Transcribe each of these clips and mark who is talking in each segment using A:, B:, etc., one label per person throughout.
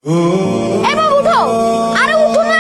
A: এবার উঠো, আরে উঠো না।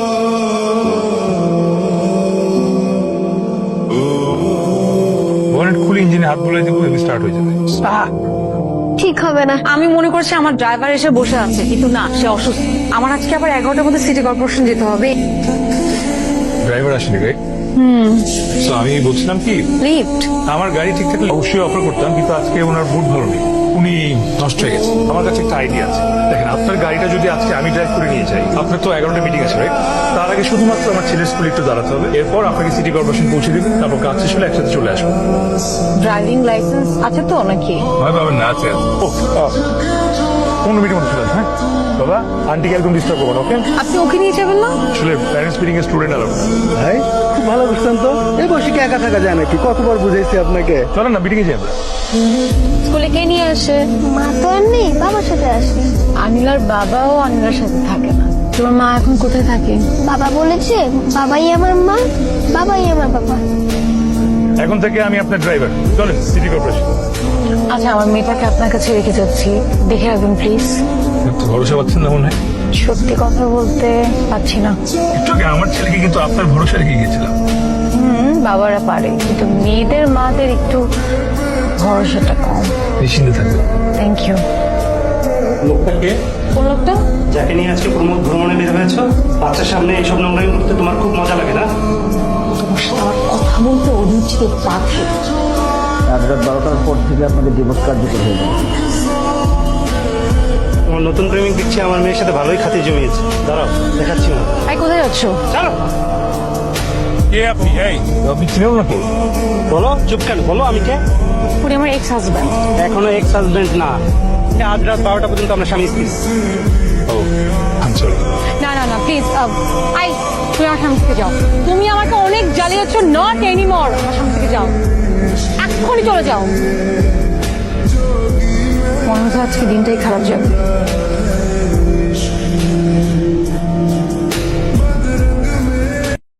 B: বনেট খুলে ইঞ্জিনে হাত বুলিয়ে দিব, স্টার্ট হয়ে যাবে।
A: ঠিক হবে না।
C: আমি মনে করছি আমার ড্রাইভার এসে বসে আছে, কিন্তু না, সে অসুস্থ। আমার আজকে আবার 11টার মধ্যে সিটি কর্পোরেশন যেতে হবে।
B: ড্রাইভার আসেনি গাড়ি। তো আমি বলছিলাম কি,
C: লিফট।
B: আমার গাড়ি ঠিক থাকলে অবশ্যই অফার করতাম, কিন্তু আজকে ওনার মুড ভালো নেই, উনি নষ্ট হয়ে গেছে। আমার কাছে একটা আইডিয়া আছে। দেখেন, আপনার গাড়িটা যদি আজকে আমি ড্রাইভ করে নিয়ে যাই, আপনার তো 11টা মিটিং আছে, রাইট? তার আগে শুধুমাত্র আমার ছেলের স্কুলে একটু দাঁড়াতে হবে, এরপর আপনাকে সিটি কর্পোরেশন পৌঁছে দেবেন, তারপর কাজ শেষ হলে একসাথে চলে আসবো।
C: ড্রাইভিং লাইসেন্স আছে তো নাকি?
B: হয় পাবেন না, আছে। ও 15 মিনিটের মধ্যে চলে আসবেন। হ্যাঁ বাবা, আন্টিকে একদম ডিস্টার্ব করবেন, ওকে?
C: আপনি ওকে নিয়ে যাবেন না?
B: আসলে প্যারেন্টস মিটিং এর স্টুডেন্ট আলাদা।
D: ভাই খুব ভালো বুঝছেন তো, এই বসে কি একা থাকা যায় নাকি? কতবার বুঝাইছি আপনাকে।
B: চলেন না, মিটিং এ যাই আমরা।
C: স্কুলে কে নিয়ে আসে?
A: মা তো আর নেই, বাবার সাথে আসি।
C: আনিলার বাবাও আনিলার সাথে থাকে না। তোমার মা এখন কোথায় থাকে?
A: বাবা বলেছে বাবাই আমার মা, বাবাই আমার বাবা।
B: এখন থেকে আমি আপনার ড্রাইভার, চলেন সিটি কর্পোরেশন।
C: আচ্ছা, আমার মেয়েটাকে আপনার কাছে রেখে যাচ্ছি, দেখে রাখবেন প্লিজ।
B: একটু ভরসা পাচ্ছেন না মনে হয়?
C: সত্যি কথা বলতে পারছি না।
B: একটু আগে আমার ছেলেকে কিন্তু আপনার ভরসা রেখে গিয়েছিলাম।
C: বাবারা পারে, কিন্তু মেয়েদের মাদের একটু ভরসাটা কম।
B: নিশ্চিন্তে থাকবেন।
C: Thank you.
E: লোকটাকে,
C: কোন লোকটা?
E: যাকে নিয়ে আজকে ভ্রমণে বের হয়েছ, বাচ্চার সামনে এইসব নোংরামি করতে তোমার খুব মজা লাগে না?
C: তোমার সাথে আমার কথা বলতে অরুচিতে পাখি।
D: আজ রাত 12টার পর থেকে আপনাদের ডিভোর্স কার্যকর হয়ে যাবে।
E: তোমার নতুন প্রেমিক দেখছি আমার মেয়ের সাথে ভালোই খাতির জমিয়েছে। দাঁড়াও, দেখাচ্ছি না।
C: এই কোথায় যাচ্ছ?
E: চলো,
B: কে আপনি? এই আপনি চিনেন নাকি?
E: বলো, চুপ কেন? বলো আমি কে?
C: উনি আমার এক্স হাজব্যান্ড।
E: এখনো এক্স হাজবেন্ড না। আজ রাত 12টা পর্যন্ত আমরা স্বামী স্ত্রী।
B: ও আমি সরি।
C: না না না, প্লিজ আই, তুমি আমার সামনে থেকে যাও। তুমি আমাকে অনেক জ্বালিয়েছো, নট এনিমোর। আমার সামনে থেকে যাও, এক্ষুনি চলে যাও। মনে হচ্ছে আজকে দিনটাই খারাপ যাবে।